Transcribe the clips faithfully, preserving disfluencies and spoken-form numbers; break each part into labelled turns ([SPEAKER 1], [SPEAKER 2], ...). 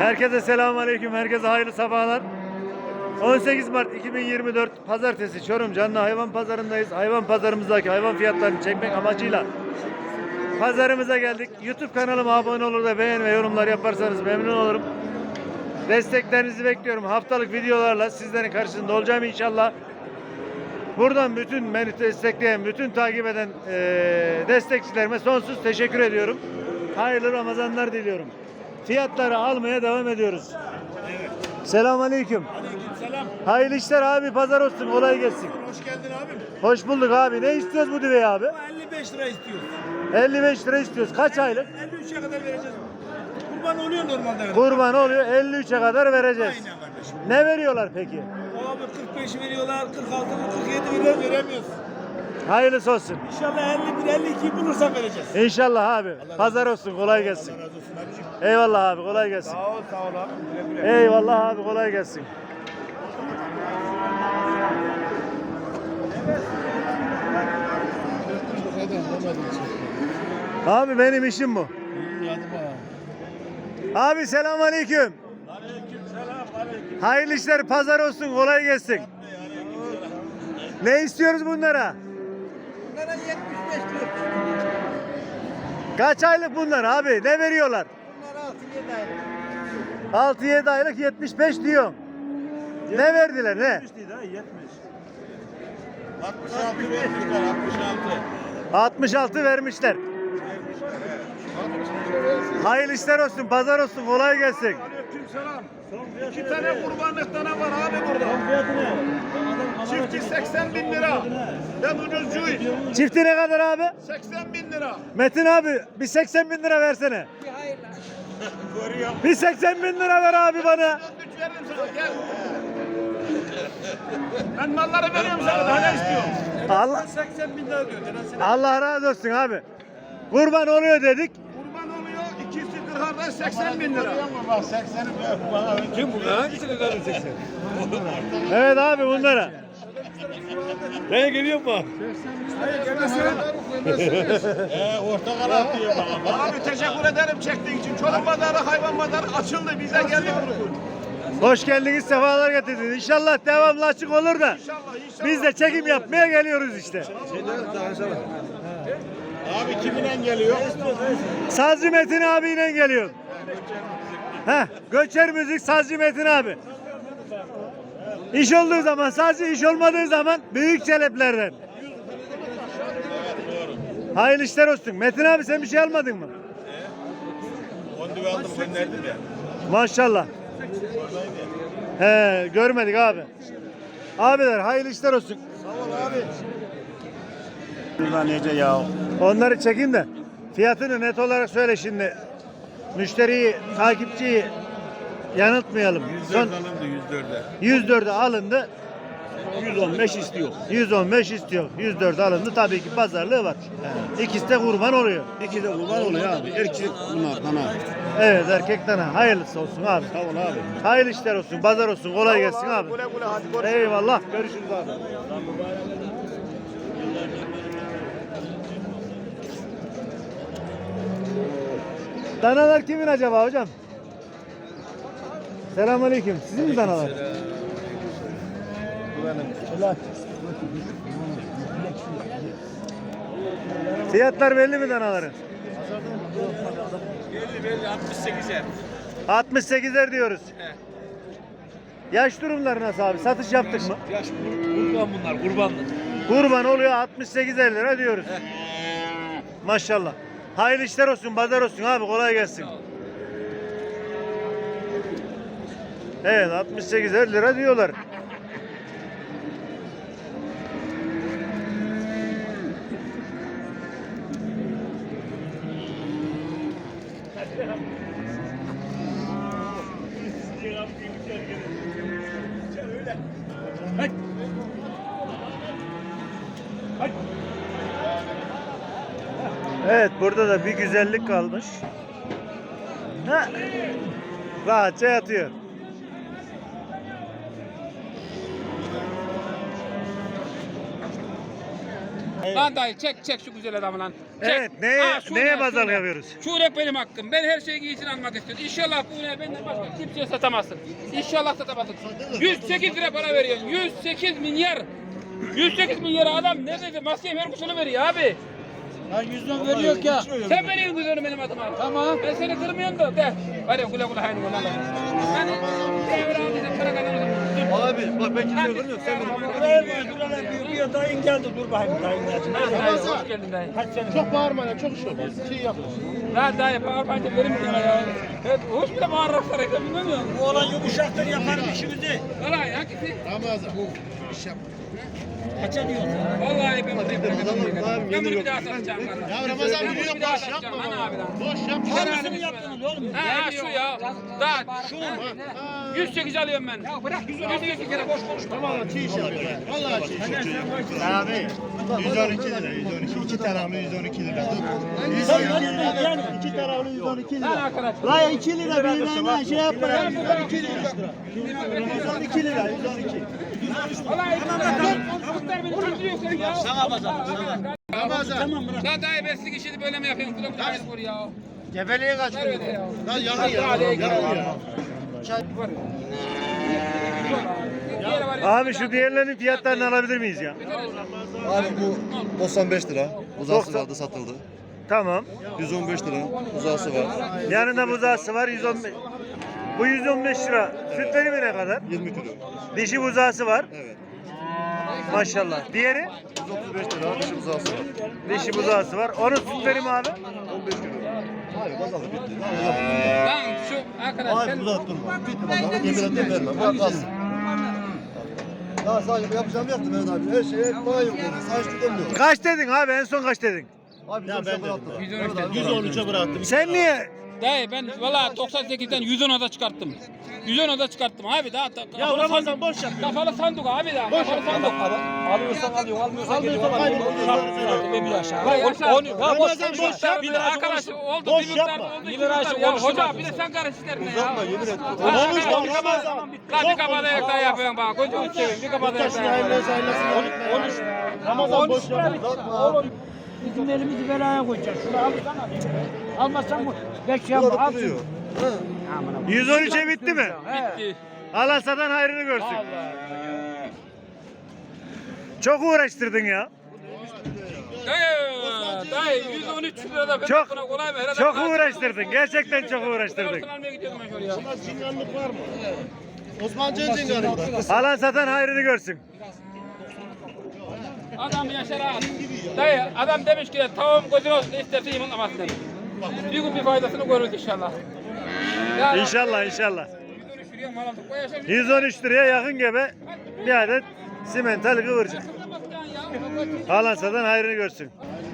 [SPEAKER 1] Herkese selamünaleyküm. Herkese hayırlı sabahlar. on sekiz Mart iki bin yirmi dört Pazartesi Çorum Canlı Hayvan Pazarındayız. Hayvan pazarımızdaki hayvan fiyatlarını çekmek amacıyla pazarımıza geldik. YouTube kanalıma abone olur da beğen ve yorumlar yaparsanız memnun olurum. Desteklerinizi bekliyorum. Haftalık videolarla sizlerin karşısında olacağım inşallah. Buradan bütün beni destekleyen, bütün takip eden e, destekçilerime sonsuz teşekkür ediyorum. Hayırlı Ramazanlar diliyorum. Fiyatları almaya devam ediyoruz.
[SPEAKER 2] Evet.
[SPEAKER 1] Selamünaleyküm.
[SPEAKER 2] Aleykümselam.
[SPEAKER 1] Hayırlı işler abi, pazar olsun, kolay gelsin.
[SPEAKER 2] Hoş geldin abim.
[SPEAKER 1] Hoş bulduk abi. Ne istiyoruz bu düveyi abi?
[SPEAKER 2] Bu elli beş lira istiyoruz.
[SPEAKER 1] elli beş lira istiyoruz. Kaç aylık?
[SPEAKER 2] elli üçe kadar vereceğiz. Kurban oluyor normalde.
[SPEAKER 1] Kurban oluyor. elli üçe kadar vereceğiz.
[SPEAKER 2] Aynen kardeşim.
[SPEAKER 1] Ne veriyorlar peki?
[SPEAKER 2] Abi kırk beş veriyorlar, kırk altı, kırk yedi veriyor, veremiyoruz.
[SPEAKER 1] Hayırlısı olsun.
[SPEAKER 2] İnşallah elli bir, elli iki bulursak vereceğiz.
[SPEAKER 1] İnşallah abi. Pazar olsun, kolay gelsin.
[SPEAKER 2] Allah razı olsun abicim.
[SPEAKER 1] Eyvallah abi, kolay gelsin.
[SPEAKER 2] Sağ ol, sağ ol abi. Güle güle.
[SPEAKER 1] Eyvallah abi, kolay gelsin. Abi benim işim bu. Abi selamünaleyküm.
[SPEAKER 2] Aleykümselam, aleyküm.
[SPEAKER 1] Hayırlı işler, pazar olsun, kolay gelsin. Ne istiyoruz bunlara?
[SPEAKER 2] Bunlara yetmiş beş diyor.
[SPEAKER 1] Kaç aylık bunlar abi? Ne veriyorlar?
[SPEAKER 2] Bunlara altı yedi aylık.
[SPEAKER 1] altı yedi aylık yetmiş beş diyor. Ne verdiler ne?
[SPEAKER 2] altmış altı vermişler, altmış altı.
[SPEAKER 1] altmış altı vermişler. Hayırlı işler olsun, pazar olsun, kolay gelsin.
[SPEAKER 2] Aleykümselam. İki tane kurbanlık tane var abi burada. Çifti seksen bin lira. Ben ucuzcuyum.
[SPEAKER 1] Çifti ne kadar abi?
[SPEAKER 2] seksen bin lira.
[SPEAKER 1] Metin abi bir seksen bin lira versene.
[SPEAKER 2] Görüyor.
[SPEAKER 1] Bir seksen bin lira ver abi bana.
[SPEAKER 2] Güç veririm sana gel. Ben malları veriyorum sana daha ne istiyorsun?
[SPEAKER 1] Allah,
[SPEAKER 2] seksen bin lira diyor.
[SPEAKER 1] Allah razı olsun abi. Kurban oluyor dedik.
[SPEAKER 2] Kurban oluyor ikisi kırkardan seksen bin lira. Bak sekseni bana. Kim bu? Hangisini kadar seksen?
[SPEAKER 1] Evet abi bunlara.
[SPEAKER 2] Ben geliyor mu? Hayır gelmesin. Eee orta karar diyor bana. Abi teşekkür ederim çektiğin için. Çorum pazarı, hayvan pazarı açıldı. Bize geldik bunu.
[SPEAKER 1] Hoş geldiniz, sefalar getirdiniz. İnşallah devamlı açık olur da.
[SPEAKER 2] İnşallah inşallah.
[SPEAKER 1] Biz de çekim yapmaya geliyoruz işte.
[SPEAKER 2] Abi kiminle geliyor?
[SPEAKER 1] Sazcı Metin abiyle geliyor. Heh, Göçer Müzik Sazcı Metin abi. İş olduğu zaman sazcı, iş olmadığı zaman büyük çeleplerden. Hayırlı işler olsun. Metin abi sen bir şey almadın mı?
[SPEAKER 2] Kondu aldım gönderdim ya.
[SPEAKER 1] Maşallah. He, görmedik abi. Abiler hayırlı işler olsun.
[SPEAKER 2] Sağ ol abi. Bunlar nece ya?
[SPEAKER 1] Onları çekeyim de fiyatını net olarak söyle şimdi. Müşteriyi, takipçiyi yanıltmayalım. Son
[SPEAKER 2] alındı yüz dörde.
[SPEAKER 1] yüz dörde alındı.
[SPEAKER 2] yüz on beş istiyor.
[SPEAKER 1] yüz on beş istiyor. yüz dört alındı. Tabii ki pazarlığı var. İkisi de kurban oluyor.
[SPEAKER 2] İki de kurban oluyor abi. Erkek bunlar dana.
[SPEAKER 1] Evet erkek dana. Hayırlısı olsun abi.
[SPEAKER 2] Sağ ol abi.
[SPEAKER 1] Hayırlı işler olsun. Pazar olsun. Kolay gelsin abi.
[SPEAKER 2] Güle güle hadi görüşürüz.
[SPEAKER 1] Eyvallah. Görüşürüz abi. Danalar kimin acaba hocam? Selamünaleyküm. Sizin mi danalar? Fiyatlar belli mi danaların?
[SPEAKER 2] belli belli altmış sekizer.
[SPEAKER 1] altmış sekizer diyoruz. Yaş durumları nasıl abi? Satış yaptık mı?
[SPEAKER 2] Yaş kurban bunlar kurbanlık.
[SPEAKER 1] Kurban oluyor altmış sekizer lira diyoruz. Maşallah. Hayırlı işler olsun, pazar olsun abi, kolay gelsin. Evet altmış sekizer lira diyorlar. Evet burada da bir güzellik kalmış. Ha. Rahatça yatıyor.
[SPEAKER 3] Lan dayı çek çek şu güzel adamı lan. Çek.
[SPEAKER 1] Evet, neye-
[SPEAKER 3] Ha, şu
[SPEAKER 1] neye
[SPEAKER 3] ne,
[SPEAKER 1] pazarlık
[SPEAKER 3] şu ne?
[SPEAKER 1] yapıyoruz?
[SPEAKER 3] Şu ne benim hakkım. Ben her şeyi iyisini almak istiyorum. İnşallah bu ne benden başka kimseye satamazsın. İnşallah satamazsın. yüz sekiz lira para veriyorsun. yüz sekiz milyar. yüz sekiz milyar adam ne dedi? Maskeye ver kuşunu veriyor abi.
[SPEAKER 4] Ya yüzden veriyor ya.
[SPEAKER 3] Sen veriyorsun kuzunu benim adıma.
[SPEAKER 4] Tamam.
[SPEAKER 3] Ben seni kırmıyorum da de. Hadi kule kule haydi kule. Hani devre aldıysan para kazanırsın.
[SPEAKER 1] Abi bak ben kimseye kırmıyorum. Sen
[SPEAKER 4] Bir dayın geldi dur bakayım dayın geldi.
[SPEAKER 3] Hoş geldin dayı.
[SPEAKER 4] Çok bağırma ya çok iş olmaz. Şey yapma.
[SPEAKER 3] Lan dayı bağırmayınca verim sana ya. Evet, hoş bile bağırarak sarayım bilmiyor musun?
[SPEAKER 4] Bu olan yumuşaktır yaparım işimizi.
[SPEAKER 3] Valla hangisi?
[SPEAKER 4] Ramazan. İş yap. Kaça diyorsun?
[SPEAKER 3] Vallahi ben bunu yapacağım. Ben bunu bir daha satacağım.
[SPEAKER 4] Ya Ramazan biliyor boş yapma.
[SPEAKER 3] Hani abi lan?
[SPEAKER 4] Boş yapma. Hangisini yaptınız oğlum?
[SPEAKER 3] Ha şu ya. Daha şu mu? yüz sekiz alıyorum ben. Ya bırak yüz sekiz kere boş konuşma.
[SPEAKER 4] Tamam çiğ iş yapıyor. Vallahi çiğ iş yapıyor.
[SPEAKER 5] Abi yüz on iki lira, yüz on iki. İki taraflı yüz on iki lira. yüz
[SPEAKER 4] Sen
[SPEAKER 5] on iki lira.
[SPEAKER 4] yani.
[SPEAKER 5] İki taraflı yüz on iki
[SPEAKER 3] Lan
[SPEAKER 5] lira.
[SPEAKER 3] arkadaş.
[SPEAKER 5] La iki lira birbirine şey yapma ya. yüz on iki lira. yüz on iki lira, yüz on iki.
[SPEAKER 3] Vallahi çocuklar beni öldürüyor sen ya. Sana bazar. Tamam bırak. Lan dayı ben sizin işini böyle mi yapıyorsun? Kulak kulak vur ya.
[SPEAKER 5] Gebeliğe kaç
[SPEAKER 3] Ver öyle ya.
[SPEAKER 4] Lan yakın ya. Yakın ya.
[SPEAKER 1] Abi şu diğerlerinin fiyatlarını alabilir miyiz ya?
[SPEAKER 6] Abi bu doksan beş lira. Uzası
[SPEAKER 1] doksan.
[SPEAKER 6] vardı satıldı.
[SPEAKER 1] Tamam.
[SPEAKER 6] yüz on beş lira uzası var.
[SPEAKER 1] Yanında buzağısı var yüz on beş. Bu yüz on beş lira. Süt verimi ne kadar?
[SPEAKER 6] yirmi kilo.
[SPEAKER 1] Dişi buzağısı var.
[SPEAKER 6] Evet.
[SPEAKER 1] Maşallah. Diğeri?
[SPEAKER 6] yüz otuz beş lira dışı uzası var.
[SPEAKER 1] Dişi buzağısı var. Onun süt verimi abi?
[SPEAKER 6] on beş kilo. Hayır pazarlık bitti.
[SPEAKER 3] Lan şu arkadaş sen...
[SPEAKER 6] Hayır burada durma. Bitti pazarlık. Yemin ederim vermem. Bırak kalsın. Ya sadece yapacağım yaptım Mehmet abi. Her şeye bana yok yani. Sadece demiyorum.
[SPEAKER 1] Kaç dedin abi? En son kaç dedin?
[SPEAKER 6] Abi ya ben bıraktım.
[SPEAKER 5] yüz on üçe bıraktım.
[SPEAKER 1] Sen niye?
[SPEAKER 3] Dayı ben valla doksan sekizden yüz on oda çıkarttım. yüz on oda çıkarttım abi daha.
[SPEAKER 5] Ya Ramazan boş yap.
[SPEAKER 3] Kafalı sandık abi daha. Kafalı sandık.
[SPEAKER 4] Alıyorsan alıyorsun, almıyorsan geliyor. Ve bir aşağı.
[SPEAKER 3] Vay yaşa.
[SPEAKER 5] Ramazan boş yap.
[SPEAKER 3] Bir de arkadaş oldu
[SPEAKER 5] Boş
[SPEAKER 3] bir miktar
[SPEAKER 5] yapma.
[SPEAKER 3] oldu.
[SPEAKER 4] Bir
[SPEAKER 3] iki
[SPEAKER 4] lira
[SPEAKER 3] miktar.
[SPEAKER 4] aşağı
[SPEAKER 3] Ya
[SPEAKER 4] konuşma.
[SPEAKER 3] hoca bir de sen karış işlerine ya.
[SPEAKER 6] Uzatma yemin et.
[SPEAKER 5] Konuşma Ramazan.
[SPEAKER 3] Lan bir kapalı ayakta yapıyorsun bak. Gözünü seveyim bir kapalı ayakta yapıyorsun.
[SPEAKER 5] Konuş. Ramazan boş yap.
[SPEAKER 4] Oğlum bizim elimizi belaya koyacağız. Şunu alsana. Almazsan bu beş yapma.
[SPEAKER 6] Burada
[SPEAKER 4] Al
[SPEAKER 6] duruyor.
[SPEAKER 4] şunu.
[SPEAKER 1] yüz on üçe bitti mi?
[SPEAKER 3] Bitti.
[SPEAKER 1] Allah satan hayrını görsün. Çok uğraştırdın ya.
[SPEAKER 3] Dayı, dayı yüz on üç lirada ben
[SPEAKER 1] Çok-
[SPEAKER 3] buna kolay mı? Herhalde
[SPEAKER 1] Çok
[SPEAKER 3] ben-
[SPEAKER 1] uğraştırdın. Gerçekten çok uğraştırdın.
[SPEAKER 3] Altın almaya gidiyordum ben şuraya.
[SPEAKER 5] Cinganlık var mı? Osman Can cinganlık.
[SPEAKER 1] Alan satan hayrını görsün.
[SPEAKER 3] Adam yaşar ha. Dayı adam demiş ki tavuğum gözün olsun isterse yumurtlamasın demiş. Bir gün bir faydasını görürüz inşallah. Ya,
[SPEAKER 1] İnşallah inşallah.
[SPEAKER 3] yüz on üç liraya mal aldık. Bu yaşar
[SPEAKER 1] yüz on üç liraya yakın gebe bir adet simental kıvırcık. Alan satan hayrını görsün.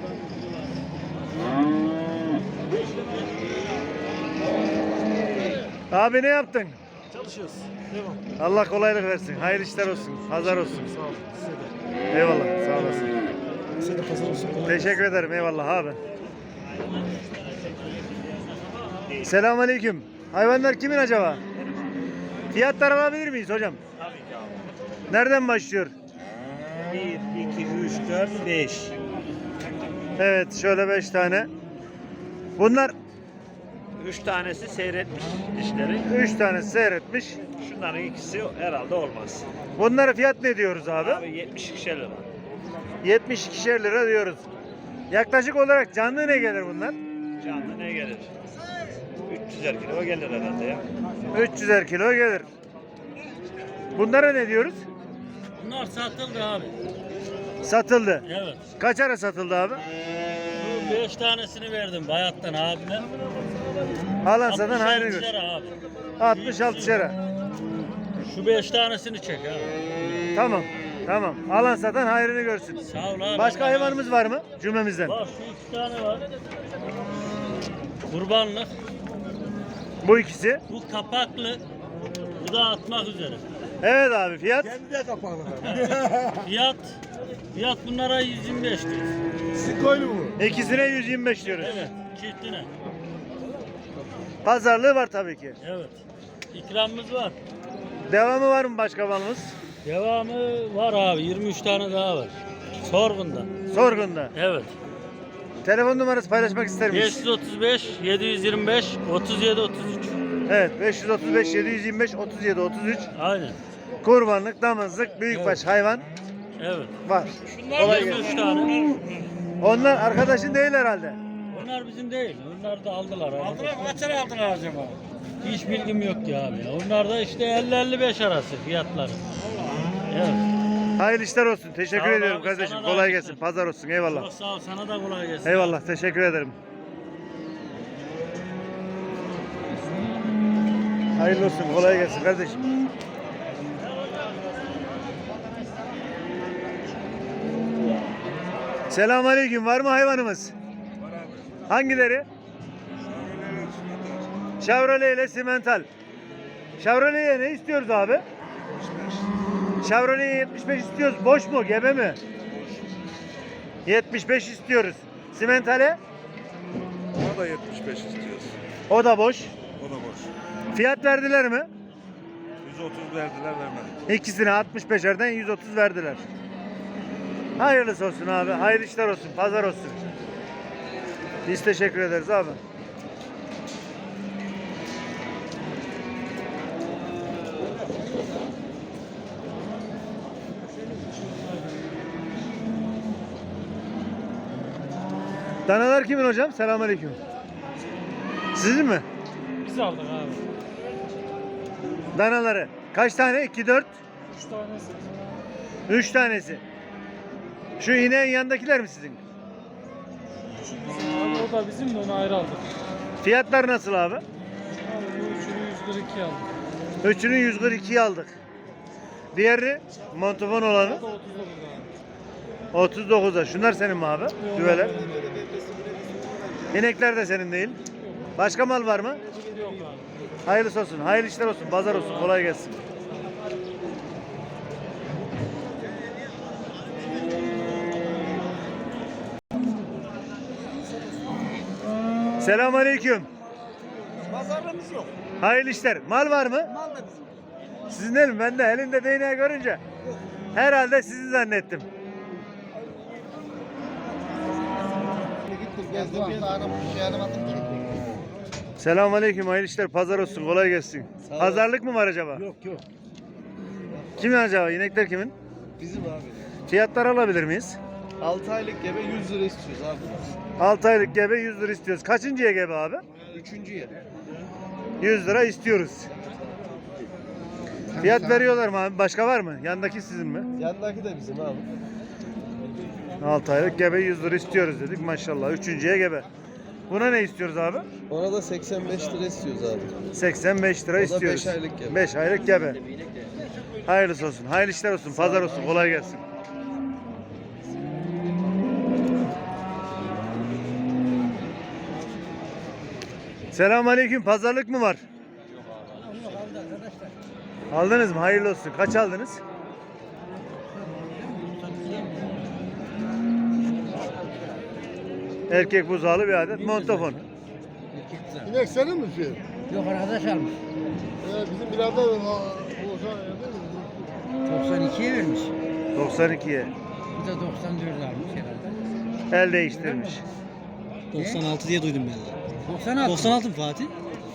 [SPEAKER 1] Abi ne yaptın?
[SPEAKER 5] Çalışıyoruz.
[SPEAKER 1] Allah kolaylık versin. Hayırlı işler olsun. Pazar olsun.
[SPEAKER 5] Sağ ol. Size de.
[SPEAKER 1] Eyvallah. Sağ olasın.
[SPEAKER 5] Size de pazar olsun.
[SPEAKER 1] Teşekkür ederim. Eyvallah abi. Selamünaleyküm. Hayvanlar kimin acaba? Fiyatlar alabilir miyiz hocam?
[SPEAKER 7] Tabii ki abi.
[SPEAKER 1] Nereden başlıyor?
[SPEAKER 7] bir, iki, üç, dört, beş.
[SPEAKER 1] Evet, şöyle beş tane. Bunlar
[SPEAKER 7] Üç tanesi seyretmiş dişleri.
[SPEAKER 1] üç tane seyretmiş.
[SPEAKER 7] Şunların ikisi herhalde olmaz.
[SPEAKER 1] Bunlara fiyat ne diyoruz abi?
[SPEAKER 7] Abi yetmiş iki lira.
[SPEAKER 1] yetmiş ikişer lira diyoruz. Yaklaşık olarak canlı ne gelir bunlar?
[SPEAKER 7] Canlı ne gelir? üç yüzer kilo gelir herhalde ya.
[SPEAKER 1] üç yüzer kilo gelir. Bunlara ne diyoruz?
[SPEAKER 4] Bunlar satıldı abi.
[SPEAKER 1] Satıldı.
[SPEAKER 4] Evet.
[SPEAKER 1] Kaç ara satıldı abi?
[SPEAKER 4] Şu beş tanesini verdim bayattan abime.
[SPEAKER 1] Alan satan hayrını
[SPEAKER 4] altmış
[SPEAKER 1] görsün.
[SPEAKER 4] lira abi.
[SPEAKER 1] altmış altı lira.
[SPEAKER 4] Şu beş tanesini çek abi.
[SPEAKER 1] Tamam. Tamam. Alan satan hayrını görsün.
[SPEAKER 4] Sağ ol abi.
[SPEAKER 1] Başka hayvanımız var mı cümlemizden?
[SPEAKER 4] Var şu iki tane var. Kurbanlık.
[SPEAKER 1] Bu ikisi.
[SPEAKER 4] Bu kapaklı. Bu da atmak üzere.
[SPEAKER 1] Evet abi fiyat.
[SPEAKER 4] Fiyat fiyat bunlara yüz yirmi beş lira.
[SPEAKER 5] Sikoylu bu.
[SPEAKER 1] İkisine yüz yirmi beş diyoruz.
[SPEAKER 4] Evet, çiftine.
[SPEAKER 1] Pazarlığı var tabii ki.
[SPEAKER 4] Evet. İkramımız var.
[SPEAKER 1] Devamı var mı başka malımız?
[SPEAKER 4] Devamı var abi. yirmi üç tane daha var.
[SPEAKER 8] Sorgun'da.
[SPEAKER 1] Sorgun'da.
[SPEAKER 8] Evet.
[SPEAKER 1] Telefon numarası paylaşmak ister miyiz?
[SPEAKER 8] beş yüz otuz beş yedi yüz yirmi beş otuz yedi otuz üç.
[SPEAKER 1] Evet, beş yüz otuz beş yedi yüz yirmi beş otuz yedi otuz üç.
[SPEAKER 8] Aynen.
[SPEAKER 1] Kurbanlık, damızlık, büyükbaş hayvan
[SPEAKER 8] Evet.
[SPEAKER 1] var. Kolay
[SPEAKER 8] yirmi
[SPEAKER 1] gelsin.
[SPEAKER 8] üç tane.
[SPEAKER 1] Onlar arkadaşın değil herhalde.
[SPEAKER 8] Onlar bizim değil. Onlar da aldılar.
[SPEAKER 5] Aldılar mı? Kaç lira aldılar acaba?
[SPEAKER 8] Hiç bilgim yok ya abi. Onlar da işte elli elli beş arası fiyatları. Evet.
[SPEAKER 1] Hayırlı işler olsun. Teşekkür
[SPEAKER 8] Sağ ol
[SPEAKER 1] ediyorum
[SPEAKER 8] abi,
[SPEAKER 1] kardeşim.
[SPEAKER 8] sana da
[SPEAKER 1] Kolay
[SPEAKER 8] hayırlı
[SPEAKER 1] gelsin.
[SPEAKER 8] işler.
[SPEAKER 1] Pazar olsun. Eyvallah.
[SPEAKER 8] Çok sağ ol. Sana da kolay gelsin.
[SPEAKER 1] Eyvallah. Teşekkür ederim. Hayırlı olsun. Kolay gelsin kardeşim. Selamünaleyküm. Var mı hayvanımız? Hangileri? Chevrolet ile Simental. Chevrolet'e ne istiyoruz abi? Chevrolet'e yetmiş beş istiyoruz. Boş mu? Gebe mi? yetmiş beş istiyoruz. Simental'e?
[SPEAKER 6] O da yetmiş beş istiyoruz.
[SPEAKER 1] O da boş.
[SPEAKER 6] O da boş.
[SPEAKER 1] Fiyat verdiler mi?
[SPEAKER 6] yüz otuz verdiler vermedik.
[SPEAKER 1] İkisine altmış beşerden yüz otuz verdiler. Hayırlısı olsun abi. Hayırlı işler olsun. Pazar olsun. Biz teşekkür ederiz abi. Danalar kimin hocam? Selamünaleyküm. Sizin mi?
[SPEAKER 8] Biz aldık abi.
[SPEAKER 1] Danaları. Kaç tane? iki, dört.
[SPEAKER 8] üç tanesi.
[SPEAKER 1] üç tanesi. Şu ineğin yanındakiler mi sizin?
[SPEAKER 8] Abi o da bizim de onu ayrı aldık.
[SPEAKER 1] Fiyatlar nasıl abi?
[SPEAKER 8] Abi bu üçünü yüz kırk iki aldık.
[SPEAKER 1] Üçünü yüz kırk ikiye aldık. Diğeri montofon olanı
[SPEAKER 8] O da otuz dokuz abi.
[SPEAKER 1] otuz dokuza. Şunlar senin mi abi? Düveler. İnekler de senin değil. Başka mal var mı?
[SPEAKER 8] Yok abi.
[SPEAKER 1] Hayırlısı olsun. Hayırlı işler olsun. Pazar olsun. Kolay gelsin. Selamünaleyküm.
[SPEAKER 5] Pazarlığımız yok.
[SPEAKER 1] Hayırlı işler. Mal var mı?
[SPEAKER 5] Mal da bizim.
[SPEAKER 1] Sizin değil mi? Ben de elinde değneği görünce herhalde sizi zannettim.
[SPEAKER 6] Gittim gezdim gezdim. Bir şey aramadım ki.
[SPEAKER 1] Selamünaleyküm. Hayırlı işler. Pazar olsun. Kolay gelsin.
[SPEAKER 6] Sağ ol.
[SPEAKER 1] Pazarlık mı var acaba?
[SPEAKER 6] Yok yok.
[SPEAKER 1] Kimin acaba? İnekler kimin?
[SPEAKER 6] Bizim abi.
[SPEAKER 1] Fiyatlar alabilir miyiz?
[SPEAKER 6] altı aylık gebe yüz lira istiyoruz abi.
[SPEAKER 1] altı aylık gebe yüz lira istiyoruz. Kaçıncıya gebe abi?
[SPEAKER 6] Üçüncü yer.
[SPEAKER 1] yüz lira istiyoruz. Fiyat veriyorlar mı abi? Başka var mı? Yandaki sizin mi?
[SPEAKER 6] Yandaki de bizim abi.
[SPEAKER 1] altı aylık gebe yüz lira istiyoruz dedik maşallah. Üçüncüye gebe. Buna ne istiyoruz abi?
[SPEAKER 6] Ona da seksen beş lira istiyoruz abi.
[SPEAKER 1] seksen beş lira
[SPEAKER 6] O da
[SPEAKER 1] istiyoruz.
[SPEAKER 6] beş aylık gebe.
[SPEAKER 1] beş aylık gebe. Hayırlısı olsun. Hayırlı işler olsun. Pazar olsun. Kolay gelsin. Selamünaleyküm. Pazarlık mı var? Aldınız mı? Hayırlı olsun. Kaç aldınız? Erkek buzağlı bir adet montofon.
[SPEAKER 6] İnek senin mi şey?
[SPEAKER 4] Yok arkadaş almış.
[SPEAKER 6] Ee, bizim birader o
[SPEAKER 4] doksan ikiye vermiş.
[SPEAKER 1] doksan ikiye.
[SPEAKER 4] Bu da doksan dörde almış herhalde.
[SPEAKER 1] El değiştirmiş.
[SPEAKER 5] doksan altı diye duydum ben de.
[SPEAKER 4] doksan altı.
[SPEAKER 5] doksan altı mı Fatih?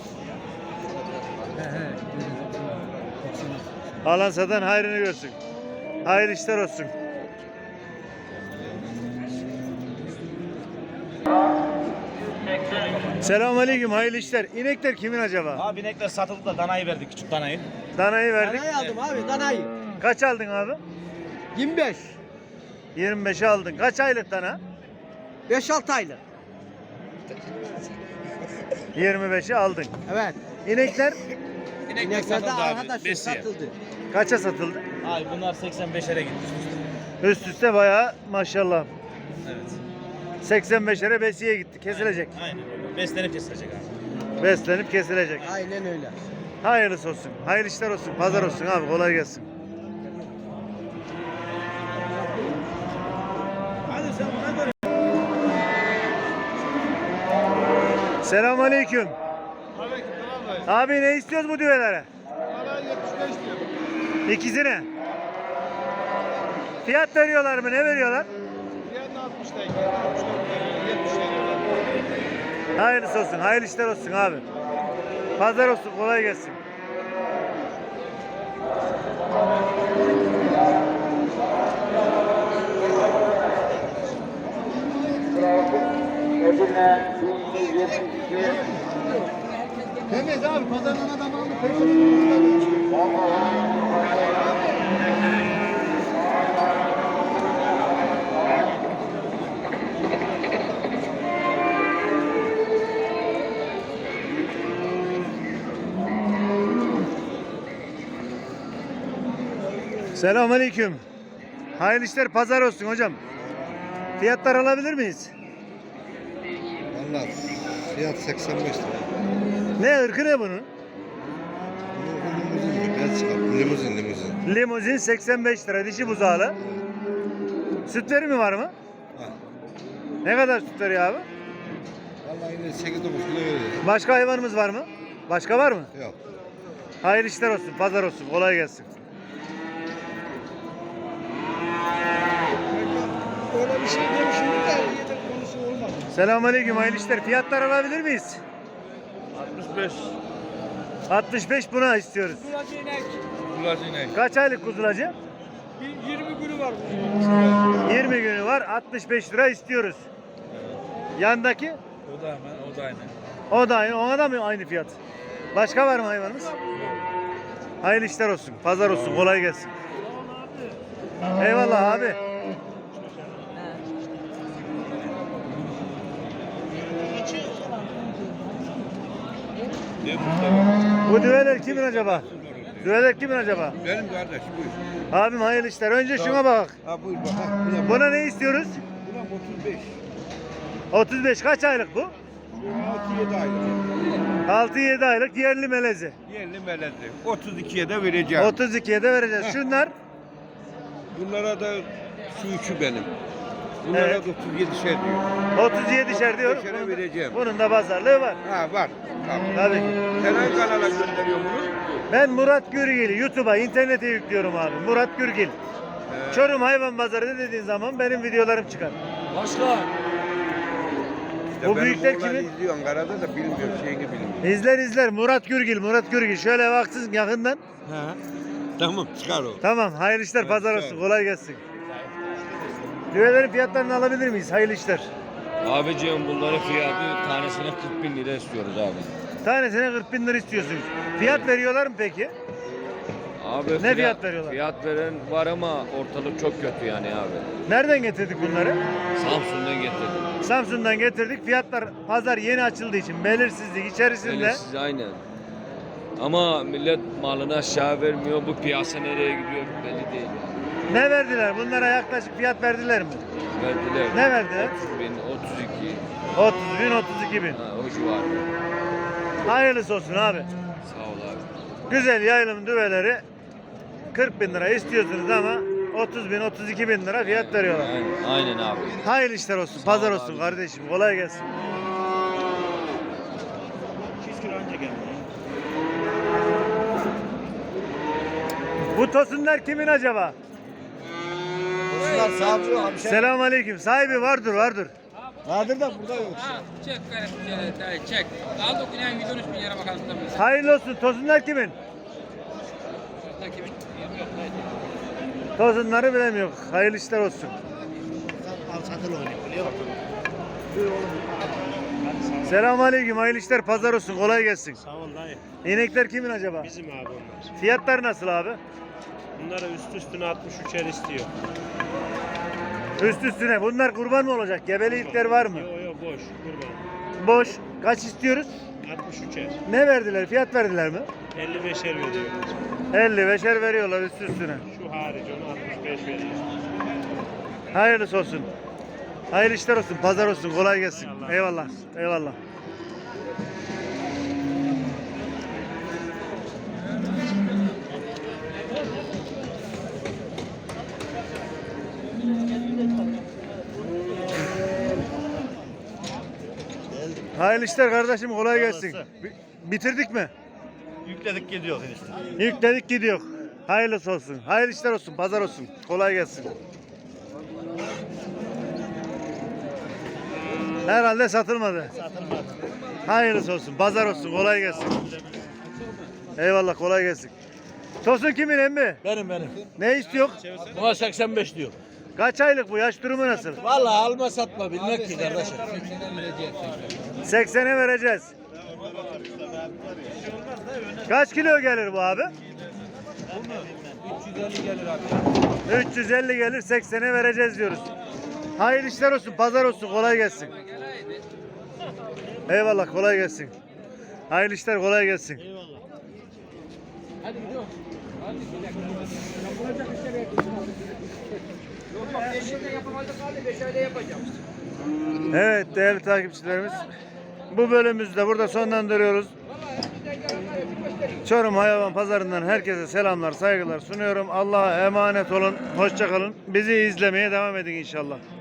[SPEAKER 4] He he. doksan altı.
[SPEAKER 1] Alan satan hayrını görsün. Hayırlı işler olsun. Selamünaleyküm. Hayırlı işler. İnekler kimin acaba?
[SPEAKER 7] Abi inekler satıldı da danayı verdik, küçük danayı.
[SPEAKER 1] Danayı verdik.
[SPEAKER 4] Danayı aldım abi danayı.
[SPEAKER 1] Kaç aldın abi?
[SPEAKER 4] yirmi beş.
[SPEAKER 1] yirmi beşe aldın. Kaç aylık dana?
[SPEAKER 4] beş altı aylık.
[SPEAKER 1] yirmi beşe aldın.
[SPEAKER 4] Evet.
[SPEAKER 1] İnekler
[SPEAKER 7] İnekler
[SPEAKER 4] İnekler de
[SPEAKER 7] satıldı abi,
[SPEAKER 4] arkadaşım
[SPEAKER 7] besiye.
[SPEAKER 4] satıldı.
[SPEAKER 1] kaça satıldı?
[SPEAKER 7] Abi bunlar seksen beşere gitti.
[SPEAKER 1] Üst üste bayağı maşallah.
[SPEAKER 7] Evet.
[SPEAKER 1] seksen beşlere besiye gitti. Kesilecek.
[SPEAKER 7] Aynen öyle. Beslenip kesilecek abi.
[SPEAKER 1] Beslenip kesilecek.
[SPEAKER 4] Aynen öyle.
[SPEAKER 1] Hayırlısı olsun. Hayırlı işler olsun. Pazar olsun abi. Kolay gelsin. Selamünaleyküm. Abi ne istiyoruz bu düvelere?
[SPEAKER 6] yetmiş beş diyor.
[SPEAKER 1] İkisine. Fiyat veriyorlar mı? Ne veriyorlar? Hayırlısı olsun, hayırlı işler olsun abi. Pazar olsun, kolay gelsin.
[SPEAKER 6] Temiz abi pazardan adam aldı.
[SPEAKER 1] Selamünaleyküm. Hayırlı işler, pazar olsun hocam. Fiyatlar alabilir miyiz?
[SPEAKER 6] Valla fiyat seksen beş lira.
[SPEAKER 1] Ne ırkı ne bunun?
[SPEAKER 6] Limuzin, Belçika. Limuzin, limuzin.
[SPEAKER 1] Limuzin seksen beş lira, dişi buzağlı. Sütleri mi var mı?
[SPEAKER 6] Ha.
[SPEAKER 1] Ne kadar sütleri abi?
[SPEAKER 6] Valla yine sekiz dokuz kilo veriyor.
[SPEAKER 1] Başka hayvanımız var mı? Başka var mı?
[SPEAKER 6] Yok.
[SPEAKER 1] Hayırlı işler olsun, pazar olsun, kolay gelsin.
[SPEAKER 5] Öyle bir şey demişim de yedek konusu olmadı.
[SPEAKER 1] Selamünaleyküm, hayırlı işler. Fiyatlar alabilir miyiz?
[SPEAKER 2] altmış beş.
[SPEAKER 1] altmış beş buna istiyoruz.
[SPEAKER 5] Kulacı inek.
[SPEAKER 2] Kulacı inek.
[SPEAKER 1] Kaç aylık kuzulacı?
[SPEAKER 5] Bir yirmi günü var.
[SPEAKER 1] yirmi günü var, altmış beş lira istiyoruz. Yandaki?
[SPEAKER 2] O da hemen, o da aynı.
[SPEAKER 1] O da aynı, ona da mı aynı fiyat? Başka var mı hayvanımız? Hayırlı işler olsun, pazar olsun, kolay gelsin. Eyvallah abi. Bu düveler kimin acaba? Düveler kimin acaba?
[SPEAKER 6] Benim kardeş buyur.
[SPEAKER 1] Abim hayırlı işler. Önce şuna bak.
[SPEAKER 6] Ha buyur bak. Ha, buna,
[SPEAKER 1] Buna ne istiyoruz?
[SPEAKER 6] buna otuz beş.
[SPEAKER 1] otuz beş kaç aylık bu?
[SPEAKER 6] altı yedi aylık.
[SPEAKER 1] altı yedi aylık yerli melezi.
[SPEAKER 6] Yerli melezi. otuz ikiye de vereceğim.
[SPEAKER 1] otuz ikiye de vereceğiz. Şunlar
[SPEAKER 6] Bunlara da şu üçü benim. Bunlara
[SPEAKER 1] Evet.
[SPEAKER 6] da otuz yedi şey diyor.
[SPEAKER 1] otuz yedişer diyor.
[SPEAKER 6] beşere
[SPEAKER 1] Bunun da-
[SPEAKER 6] vereceğim.
[SPEAKER 1] Bunun da pazarlığı var.
[SPEAKER 6] Ha var. Tamam.
[SPEAKER 1] Tabii.
[SPEAKER 6] Sen hangi kanala gönderiyor bunu?
[SPEAKER 1] Ben Murat Gürgil YouTube'a, internete yüklüyorum abi. Murat Gürgil. Çorum Hayvan Pazarı dediğin zaman benim videolarım çıkar.
[SPEAKER 2] Başka.
[SPEAKER 6] İşte
[SPEAKER 1] Bu
[SPEAKER 6] benim
[SPEAKER 1] büyükler
[SPEAKER 6] oğlan
[SPEAKER 1] kimin?
[SPEAKER 6] izliyor Ankara'da da bilmiyor şeyini bilmiyor.
[SPEAKER 1] İzler izler. Murat Gürgil, Murat Gürgil. Şöyle baksın yakından.
[SPEAKER 6] Ha. Tamam çıkar o.
[SPEAKER 1] Tamam. Hayırlı işler,
[SPEAKER 6] Evet,
[SPEAKER 1] pazar
[SPEAKER 6] sağ
[SPEAKER 1] olsun.
[SPEAKER 6] ol.
[SPEAKER 1] Kolay gelsin. Düvelerin fiyatlarını alabilir miyiz? Hayırlı işler.
[SPEAKER 9] Abiciğim bunların fiyatı tanesine kırk bin lira istiyoruz abi.
[SPEAKER 1] Tanesine kırk bin lira istiyorsunuz. Fiyat veriyorlar mı peki?
[SPEAKER 9] Abi
[SPEAKER 1] Ne fiyat veriyorlar?
[SPEAKER 9] Fiyat veren var ama ortalık çok kötü yani abi.
[SPEAKER 1] Nereden getirdik bunları?
[SPEAKER 9] Samsun'dan getirdim.
[SPEAKER 1] Samsun'dan getirdik. Fiyatlar pazar yeni açıldığı için belirsizlik içerisinde.
[SPEAKER 9] Belirsiz aynen. Ama millet malını aşağı vermiyor. Bu piyasa nereye gidiyor belli değil.
[SPEAKER 1] Ne verdiler? Bunlara yaklaşık fiyat verdiler mi?
[SPEAKER 9] Verdiler.
[SPEAKER 1] Ne verdiler?
[SPEAKER 9] otuz bin, otuz iki.
[SPEAKER 1] otuz bin, otuz iki bin.
[SPEAKER 9] Ha, o civar.
[SPEAKER 1] Hayırlısı olsun abi.
[SPEAKER 9] Sağ ol abi.
[SPEAKER 1] Güzel yaylım düveleri kırk bin lira istiyorsunuz ama otuz bin, otuz iki bin lira fiyat veriyorlar.
[SPEAKER 9] Aynen, aynen abi.
[SPEAKER 1] Hayırlı işler olsun, pazar
[SPEAKER 9] ol
[SPEAKER 1] olsun
[SPEAKER 9] abi.
[SPEAKER 1] kardeşim. Kolay gelsin. Bu tosunlar kimin acaba?
[SPEAKER 6] Bunlar savcı abi.
[SPEAKER 1] Selamünaleyküm. Sahibi vardır, vardır.
[SPEAKER 6] Vardır da burada yok.
[SPEAKER 3] Ha, çek garip bir şeyler, dayı, çek. Aldık yine yüz on üç bin lira bakalım tabii.
[SPEAKER 1] Hayırlı olsun. Tosunlar kimin?
[SPEAKER 3] Şurada kimin? Yok, dayı.
[SPEAKER 1] Tosunları bilemiyor. Hayırlı işler olsun. Selamünaleyküm. Hayırlı işler, pazar olsun. Kolay gelsin.
[SPEAKER 10] Sağ ol dayı.
[SPEAKER 1] İnekler kimin acaba?
[SPEAKER 10] Bizim abi onlar.
[SPEAKER 1] Fiyatlar nasıl abi?
[SPEAKER 10] Bunlara üst üstüne altmış üçer istiyor.
[SPEAKER 1] Üst üstüne. Bunlar kurban mı olacak? Gebeli ipler var mı?
[SPEAKER 10] Yo yo boş kurban.
[SPEAKER 1] Boş. Kaç istiyoruz?
[SPEAKER 10] altmış üçer.
[SPEAKER 1] Ne verdiler? Fiyat verdiler mi?
[SPEAKER 10] elli beşer veriyoruz.
[SPEAKER 1] elli beşer veriyorlar üst üstüne.
[SPEAKER 10] Şu hariç onu altmış beş veriyoruz.
[SPEAKER 1] Hayırlısı olsun. Hayırlı işler olsun. Pazar olsun. Kolay gelsin. Eyvallah. Eyvallah. Hayırlı işler kardeşim. Kolay gelsin. Bi- Bitirdik mi?
[SPEAKER 7] Yükledik gidiyor işte.
[SPEAKER 1] Yükledik gidiyor. Hayırlısı olsun. Hayırlı işler olsun. Pazar olsun. Kolay gelsin. Herhalde satılmadı. Hayırlısı olsun. Pazar olsun. Kolay gelsin. Eyvallah, kolay gelsin. Tosun kimin emmi?
[SPEAKER 8] Benim benim.
[SPEAKER 1] Ne istiyor?
[SPEAKER 8] Buna seksen beş diyor.
[SPEAKER 1] Kaç aylık bu? Yaş durumu nasıl?
[SPEAKER 8] Vallahi alma satma bilmek ki kardeşim.
[SPEAKER 1] seksene vereceğiz. Kaç kilo gelir bu abi?
[SPEAKER 8] üç yüz elli gelir abi.
[SPEAKER 1] üç yüz elli gelir, seksene vereceğiz diyoruz. Hayırlı işler olsun, pazar olsun, kolay gelsin. Eyvallah, kolay gelsin. Hayırlı işler, kolay gelsin. Evet değerli takipçilerimiz, bu bölümümüzü de burada sonlandırıyoruz. Çorum Hayvan Pazarı'ndan herkese selamlar, saygılar sunuyorum. Allah'a emanet olun, hoşça kalın. Bizi izlemeye devam edin inşallah.